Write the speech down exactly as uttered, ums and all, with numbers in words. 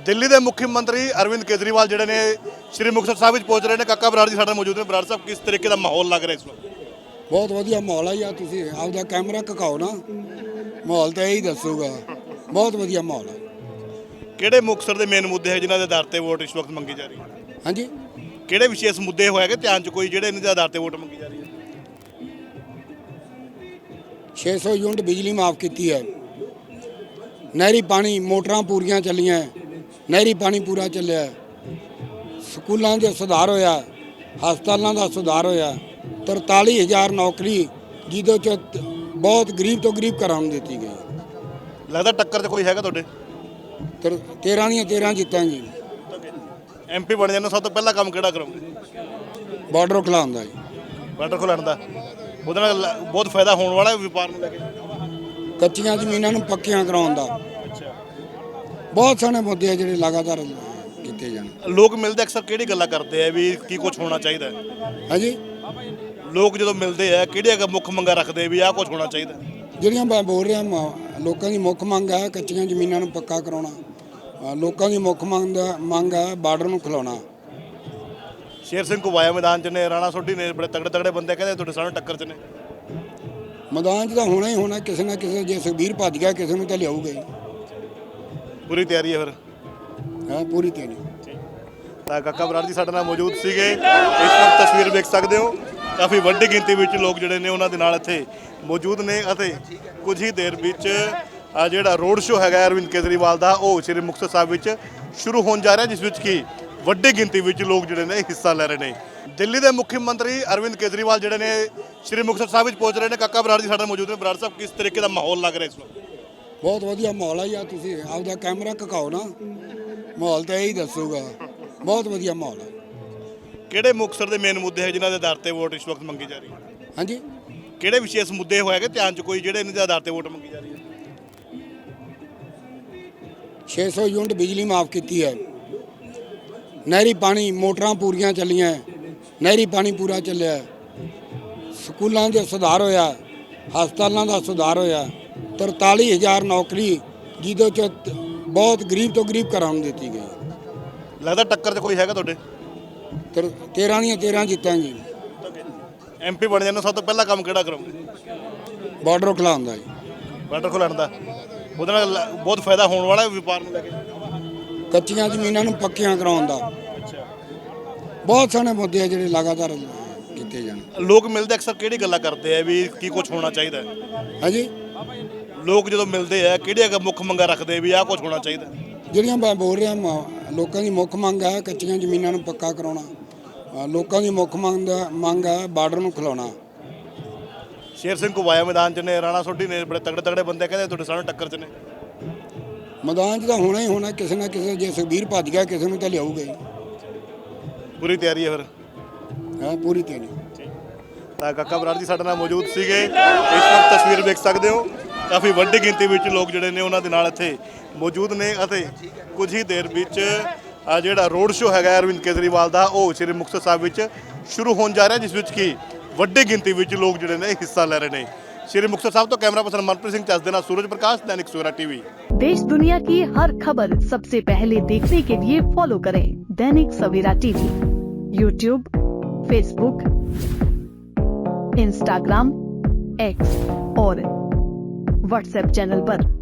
ਦਿੱਲੀ ਦੇ ਮੁੱਖ ਮੰਤਰੀ ਅਰਵਿੰਦ ਕੇਜਰੀਵਾਲ ਜਿਹੜੇ ਨੇ ਸ਼੍ਰੀ ਮੁਕਤਸਰ ਸਾਹਿਬ ਵਿੱਚ ਪਹੁੰਚ ਰਹੇ ਨੇ। ਕਾਕਾ ਬਰਾੜ ਜੀ ਸਾਡੇ ਨਾਲ ਮੌਜੂਦ ਨੇ। ਬਰਾੜ ਸਾਹਿਬ, ਕਿਸ ਤਰੀਕੇ ਦਾ ਮਾਹੌਲ ਲੱਗ ਰਿਹਾ ਇਸ ਵਕਤ? ਬਹੁਤ ਵਧੀਆ ਮਾਹੌਲ ਆ ਯਾਰ, ਤੁਸੀਂ ਆਪਦਾ ਕੈਮਰਾ ਘਕਾਓ ਨਾ, ਮਾਹੌਲ ਤਾਂ ਇਹੀ ਦੱਸੂਗਾ। ਬਹੁਤ ਵਧੀਆ ਮਾਹੌਲ ਆ। ਕਿਹੜੇ ਮੁਕਤਸਰ ਦੇ ਮੇਨ ਮੁੱਦੇ ਹੈ ਜਿਨ੍ਹਾਂ ਦੇ ਆਧਾਰ ਤੇ ਵੋਟ ਇਸ ਵਕਤ ਮੰਗੀ ਜਾ ਰਹੀ ਹੈ? ਹਾਂਜੀ, ਕਿਹੜੇ ਵਿਸ਼ੇਸ਼ ਮੁੱਦੇ ਹੋਏਗੇ ਧਿਆਨ ਚ ਕੋਈ ਜਿਹੜੇ ਇਹਨਾਂ ਦੇ ਆਧਾਰ ਤੇ ਵੋਟ ਮੰਗੀ ਜਾ ਰਹੀ ਹੈ? ਛੇ ਸੌ ਯੂਨਿਟ ਬਿਜਲੀ ਮਾਫ ਕੀਤੀ ਹੈ, ਨਹਿਰੀ ਪਾਣੀ ਮੋਟਰਾਂ ਪੂਰੀਆਂ ਚੱਲੀਆਂ, ਨਹਿਰੀ ਪਾਣੀ ਪੂਰਾ ਚੱਲਿਆ, ਸਕੂਲਾਂ ਦੇ ਸੁਧਾਰ ਹੋਇਆ, ਹਸਪਤਾਲਾਂ ਦਾ ਸੁਧਾਰ ਹੋਇਆ, ਤਰਤਾਲੀ ਹਜ਼ਾਰ ਨੌਕਰੀ ਜਿਹਦੇ ਚ ਬਹੁਤ ਗਰੀਬ ਤੋਂ ਗਰੀਬ ਘਰਾਂ ਨੂੰ ਦਿੱਤੀ ਗਈ। ਲੱਗਦਾ ਟੱਕਰ 'ਚ ਕੋਈ ਹੈਗਾ ਤੁਹਾਡੇ? ਤਰ ਤੇਰਾਂ ਦੀਆਂ ਤੇਰਾਂ ਜਿੱਤਾਂਗੇ। ਐਮਪੀ ਬਣ ਜਾਣਾ, ਸਭ ਤੋਂ ਪਹਿਲਾ ਕੰਮ ਕਿਹੜਾ ਕਰੋਗੇ? ਬਾਰਡਰ ਖੁਲਾਉਂਦਾ ਜੀ। ਬਾਰਡਰ ਖੁਲਾਉਣ ਦਾ ਉਹਦੇ ਨਾਲ ਬਹੁਤ ਫਾਇਦਾ ਹੋਣ ਵਾਲਾ ਹੈ ਵਪਾਰ ਨੂੰ ਲੈ ਕੇ। ਕੱਚੀਆਂ ਜ਼ਮੀਨਾਂ ਨੂੰ ਪੱਕੀਆਂ ਕਰਾਉਣ ਦਾ ਬਹੁਤ ਸਾਰੇ ਮੁੱਦੇ ਆ ਜਿਹੜੇ ਲਗਾਤਾਰ ਕੀਤੇ ਜਾਣ। ਲੋਕ ਮਿਲਦੇ ਅਕਸਰ ਕਿਹੜੀ ਗੱਲਾਂ ਕਰਦੇ ਆ ਵੀ ਕੀ ਕੁਝ ਹੋਣਾ ਚਾਹੀਦਾ ਹੈ? ਹਾਂਜੀ, ਲੋਕ ਜਦੋਂ ਮਿਲਦੇ ਆ ਕਿਹੜੀਆਂ ਮੁੱਖ ਮੰਗਾਂ ਰੱਖਦੇ ਵੀ ਆਹ ਕੁਝ ਹੋਣਾ ਚਾਹੀਦਾ? ਜਿਹੜੀਆਂ ਮੈਂ ਬੋਲ ਰਿਹਾ ਮ- ਲੋਕਾਂ ਦੀ ਮੁੱਖ ਮੰਗ ਹੈ ਕੱਚੀਆਂ ਜ਼ਮੀਨਾਂ ਨੂੰ ਪੱਕਾ ਕਰਾਉਣਾ। ਅ, ਲੋਕਾਂ ਦੀ ਮੁੱਖ ਮੰਗ ਦਾ ਮੰਗ ਹੈ ਬਾਰਡਰ ਨੂੰ ਖਿਲਾਉਣਾ। ਸ਼ੇਰ ਸਿੰਘ ਘੁਬਾਇਆ ਮੈਦਾਨ 'ਚ ਨੇ, ਰਾਣਾ ਸੋਢੀ ਨੇ, ਬੜੇ ਤਗੜੇ ਤਗੜੇ ਬੰਦੇ ਕਹਿੰਦੇ ਤੁਹਾਡੇ ਸਾਹਮਣੇ ਟੱਕਰ 'ਚ ਨੇ। ਮੈਦਾਨ 'ਚ ਤਾਂ ਹੋਣਾ ਹੀ ਹੋਣਾ, ਕਿਸੇ ਨਾ ਕਿਸੇ, ਜੇ ਸੁਖਬੀਰ ਭੱਜ ਗਿਆ ਕਿਸੇ ਨੂੰ ਤਾਂ ਲਿਆਊਗਾ ਹੀ। ਪੂਰੀ ਤਿਆਰੀ ਹੈ ਫਿਰ? ਹਾਂ, ਪੂਰੀ ਤਿਆਰੀ। ਤਾਂ ਕਾਕਾ ਬਰਾੜ ਜੀ ਸਾਡੇ ਨਾਲ ਮੌਜੂਦ ਸੀਗੇ। ਇਸ ਵਕਤ ਤਸਵੀਰ ਵੇਖ ਸਕਦੇ ਹੋ, ਕਾਫੀ ਵੱਡੀ ਗਿਣਤੀ ਵਿੱਚ ਲੋਕ ਜਿਹੜੇ ਨੇ ਉਹਨਾਂ ਦੇ ਨਾਲ ਇੱਥੇ ਮੌਜੂਦ ਨੇ ਅਤੇ ਕੁਝ ਹੀ ਦੇਰ ਵਿੱਚ ਆ ਜਿਹੜਾ ਰੋਡ ਸ਼ੋਅ ਹੈਗਾ ਅਰਵਿੰਦ ਕੇਜਰੀਵਾਲ ਦਾ ਉਹ ਸ਼੍ਰੀ ਮੁਕਤਸਰ ਸਾਹਿਬ ਵਿੱਚ ਸ਼ੁਰੂ ਹੋਣ ਜਾ ਰਿਹਾ, ਜਿਸ ਵਿੱਚ ਕਿ ਵੱਡੀ ਗਿਣਤੀ ਵਿੱਚ ਲੋਕ ਜਿਹੜੇ ਨੇ ਹਿੱਸਾ ਲੈ ਰਹੇ ਨੇ। ਦਿੱਲੀ ਦੇ ਮੁੱਖ ਮੰਤਰੀ ਅਰਵਿੰਦ ਕੇਜਰੀਵਾਲ ਜਿਹੜੇ ਨੇ ਸ਼੍ਰੀ ਮੁਕਤਸਰ ਸਾਹਿਬ ਵਿੱਚ ਪਹੁੰਚ ਰਹੇ ਨੇ। ਕਾਕਾ ਬਰਾੜ ਜੀ ਸਾਡੇ ਨਾਲ ਮੌਜੂਦ ਨੇ। ਬਰਾੜ ਸਾਹਿਬ, ਕਿਸ ਤਰੀਕੇ ਦਾ ਮਾਹੌਲ ਲੱਗ ਰਿਹਾ ਇਸ ਵਕਤ? ਬਹੁਤ ਵਧੀਆ ਮਾਹੌਲ ਆ ਯਾਰ, ਤੁਸੀਂ ਆਪਦਾ ਕੈਮਰਾ ਘਕਾਓ ਨਾ, ਮਾਹੌਲ ਤਾਂ ਇਹੀ ਦੱਸੂਗਾ। ਬਹੁਤ ਵਧੀਆ ਮਾਹੌਲ ਆ। ਕਿਹੜੇ ਮੁਕਤਸਰ ਦੇ ਮੇਨ ਮੁੱਦੇ ਹੈ ਜਿਨ੍ਹਾਂ ਦੇ ਆਧਾਰ ਤੇ ਵੋਟ ਇਸ ਵਕਤ ਮੰਗੀ ਜਾ ਰਹੀ ਹੈ? ਹਾਂਜੀ, ਕਿਹੜੇ ਵਿਸ਼ੇਸ਼ ਮੁੱਦੇ ਹੋਏਗੇ ਧਿਆਨ ਚ ਕੋਈ ਜਿਹੜੇ ਇਹਨਾਂ ਦੇ ਆਧਾਰ ਤੇ ਵੋਟ ਮੰਗੀ ਜਾ ਰਹੀ ਹੈ? ਛੇ ਸੌ ਯੂਨਿਟ ਬਿਜਲੀ ਮਾਫ ਕੀਤੀ ਹੈ, ਨਹਿਰੀ ਪਾਣੀ ਮੋਟਰਾਂ ਪੂਰੀਆਂ ਚੱਲੀਆਂ, ਨਹਿਰੀ ਪਾਣੀ ਪੂਰਾ ਚੱਲਿਆ, ਸਕੂਲਾਂ ਦੇ ਸੁਧਾਰ ਹੋਇਆ, ਹਸਪਤਾਲਾਂ ਦਾ ਸੁਧਾਰ ਹੋਇਆ, ਤਰਤਾਲੀ ਹਜ਼ਾਰ ਨੌਕਰੀ ਜਿਹਦੇ ਚ ਬਹੁਤ ਗਰੀਬ ਤੋਂ ਗਰੀਬ ਘਰਾਂ ਨੂੰ ਦਿੱਤੀ ਗਈ। ਲੱਗਦਾ ਟੱਕਰ 'ਚ ਕੋਈ ਹੈਗਾ ਤੁਹਾਡੇ? ਤਰ ਤੇਰਾਂ ਦੀਆਂ ਤੇਰਾਂ ਜਿੱਤਾਂਗੇ। ਐਮਪੀ ਬਣ ਜਾਣਾ, ਸਭ ਤੋਂ ਪਹਿਲਾ ਕੰਮ ਕਿਹੜਾ ਕਰੋਗੇ? ਬਾਰਡਰ ਖੁਲਾਉਂਦਾ ਜੀ। ਬਾਰਡਰ ਖੁਲਾਉਣ ਦਾ ਉਹਦੇ ਨਾਲ ਬਹੁਤ ਫਾਇਦਾ ਹੋਣ ਵਾਲਾ ਹੈ ਵਪਾਰ ਨੂੰ ਲੈ ਕੇ। ਕੱਚੀਆਂ ਜ਼ਮੀਨਾਂ ਨੂੰ ਪੱਕੀਆਂ ਕਰਾਉਣ ਦਾ ਬਹੁਤ ਸਾਰੇ ਮੁੱਦੇ ਆ ਜਿਹੜੇ ਲਗਾਤਾਰ ਕੀਤੇ ਜਾਣ। ਲੋਕ ਮਿਲਦੇ ਅਕਸਰ ਕਿਹੜੀ ਗੱਲਾਂ ਕਰਦੇ ਆ ਵੀ ਕੀ ਕੁਝ ਹੋਣਾ ਚਾਹੀਦਾ ਹੈ? ਹਾਂਜੀ, ਲੋਕ ਜਦੋਂ ਮਿਲਦੇ ਆ ਕਿਹੜੀਆਂ ਮੁੱਖ ਮੰਗਾਂ ਰੱਖਦੇ ਵੀ ਆਹ ਕੁਝ ਹੋਣਾ ਚਾਹੀਦਾ? ਜਿਹੜੀਆਂ ਮੈਂ ਬੋਲ ਰਿਹਾ ਮ- ਲੋਕਾਂ ਦੀ ਮੁੱਖ ਮੰਗ ਹੈ ਕੱਚੀਆਂ ਜ਼ਮੀਨਾਂ ਨੂੰ ਪੱਕਾ ਕਰਾਉਣਾ। ਅ, ਲੋਕਾਂ ਦੀ ਮੁੱਖ ਮੰਗ ਦਾ ਮੰਗ ਹੈ ਬਾਰਡਰ ਨੂੰ ਖਿਲਾਉਣਾ। ਸ਼ੇਰ ਸਿੰਘ ਘੁਬਾਇਆ ਮੈਦਾਨ 'ਚ ਨੇ, ਰਾਣਾ ਸੋਢੀ ਨੇ, ਬੜੇ ਤਗੜੇ ਤਗੜੇ ਬੰਦੇ ਕਹਿੰਦੇ ਤੁਹਾਡੇ ਸਾਹਮਣੇ ਟੱਕਰ 'ਚ ਨੇ। ਮੈਦਾਨ 'ਚ ਤਾਂ ਹੋਣਾ ਹੀ ਹੋਣਾ, ਕਿਸੇ ਨਾ ਕਿਸੇ, ਜੇ ਸੁਖਬੀਰ ਭੱਜ ਗਿਆ ਕਿਸੇ ਨੂੰ ਤਾਂ ਲਿਆਊਗਾ ਹੀ। ਪੂਰੀ ਤਿਆਰੀ ਹੈ ਫਿਰ? ਹਾਂ, ਪੂਰੀ ਤਿਆਰੀ। ਤਾਂ ਕਾਕਾ ਬਰਾੜ ਜੀ ਸਾਡੇ ਨਾਲ ਮੌਜੂਦ ਸੀਗੇ। ਇਸ ਵਕਤ ਤਸਵੀਰ ਵੇਖ ਸਕਦੇ ਹੋ, ਕਾਫੀ ਵੱਡੀ ਗਿਣਤੀ ਵਿੱਚ ਲੋਕ ਜਿਹੜੇ ਨੇ ਉਹਨਾਂ ਦੇ ਨਾਲ ਇੱਥੇ ਮੌਜੂਦ ਨੇ ਅਤੇ ਕੁਝ ਹੀ ਦੇਰ ਵਿੱਚ ਆ ਜਿਹੜਾ ਰੋਡ ਸ਼ੋਅ ਹੈਗਾ ਅਰਵਿੰਦ ਕੇਜਰੀਵਾਲ ਦਾ ਉਹ ਸ਼੍ਰੀ ਮੁਕਤਸਰ ਸਾਹਿਬ ਵਿੱਚ ਸ਼ੁਰੂ ਹੋਣ ਜਾ ਰਿਹਾ, ਜਿਸ ਵਿੱਚ ਕਿ ਵੱਡੀ ਗਿਣਤੀ ਵਿੱਚ ਲੋਕ ਜਿਹੜੇ ਨੇ ਹਿੱਸਾ ਲੈ ਰਹੇ ਨੇ। ਸ਼੍ਰੀ ਮੁਕਤਸਰ ਸਾਹਿਬ ਤੋਂ ਕੈਮਰਾ ਪਰਸਨ ਮਨਪ੍ਰੀਤ ਸਿੰਘ ਚੱਜ ਦੇ ਨਾਲ सूरज प्रकाश, दैनिक सवेरा टीवी। देश दुनिया की हर खबर सबसे पहले देखने के लिए फॉलो करें Dainik Savera TV, YouTube, Facebook, Instagram, X और व्हाट्सएप चैनल पर।